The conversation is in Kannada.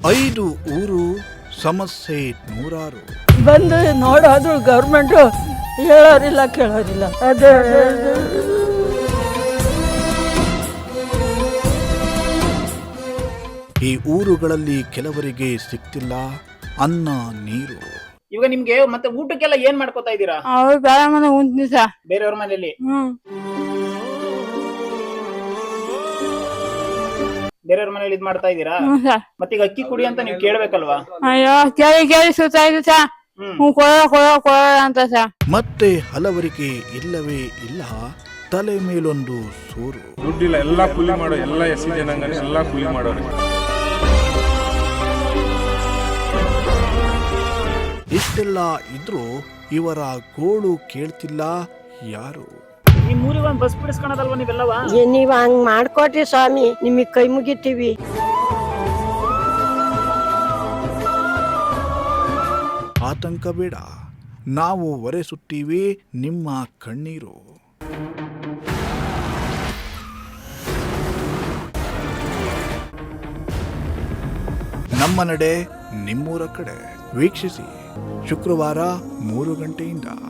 5 ಊರು ಸಮಸ್ಯೆ ನೂರಾರು. ಬಂದು ನೋಡೋದು ಗೌರ್ಮೆಂಟು ಹೇಳೋರಿಲ್ಲ ಕೇಳೋರಿಲ್ಲ. ಅದೇ ಈ ಊರುಗಳಲ್ಲಿ ಕೆಲವರಿಗೆ ಸಿಗ್ತಿಲ್ಲ ಅನ್ನ ನೀರು. ಇವಾಗ ನಿಮ್ಗೆ ಮತ್ತೆ ಊಟಕ್ಕೆಲ್ಲ ಏನ್ ಮಾಡ್ಕೋತಾ ಇದ್ದೀರಾ? ಅವ್ರು ಬೇರೆ ಮನೆ ಉಂಟು ಸರ್. ಬೇರೆಯವ್ರ ಮನೆಯಲ್ಲಿ ಬೇರೆಯವ್ರ ಮನೇಲಿ ಇದ್ ಮಾಡ್ತಾ ಇದ್ದೀರಾ? ಸರ್. ಮತ್ತೀಗ ಅಕ್ಕಿ ಕುಡಿ ಅಂತ ನೀವು ಕೇಳ್ಬೇಕಲ್ವಾ? ಅಯ್ಯೋ ಕೇಳಿ ಸುತ್ತಾಯ್ತು ಸರ್. ಕೊಡ ಅಂತ ಸರ್. ಮತ್ತೆ ಹಲವರಿಗೆ ಇಲ್ಲವೇ ಇಲ್ಲ ತಲೆ ಮೇಲೊಂದು ಸೂರು. ದುಡ್ಡಿಲ್ಲ, ಎಲ್ಲಾ ಕೂಲಿ ಮಾಡೋ, ಎಲ್ಲ ಎಸ್ ಜನಾಂಗನೇ ಎಲ್ಲಾ ಕೂಲಿ ಮಾಡೋರು. ಇಷ್ಟೆಲ್ಲ ಇದ್ರೂ ಇವರ ಗೋಳು ಕೇಳ್ತಿಲ್ಲ ಯಾರು. ಈ ಮೂರಿಗೆ ಒಂದ್ ಬಸ್ ಬಿಡಿಸ್ಕೊಳದಲ್ವಾ ನೀವೆಲ್ಲವಾ? ನೀವ್ ಹಂಗ್ ಮಾಡ್ಕೊಟ್ರಿ ಸ್ವಾಮಿ, ನಿಮಗ್ ಕೈ ಮುಗಿತೀವಿ. ಆತಂಕ ಬೇಡ, ನಾವು ಒರೆಸುತ್ತೀವಿ ನಿಮ್ಮ ಕಣ್ಣೀರು. ನಮ್ಮ ನಡೆ ನಿಮ್ಮೂರ ಕಡೆ ವೀಕ್ಷಿಸಿ ಶುಕ್ರವಾರ 3 ಗಂಟೆಯಿಂದ.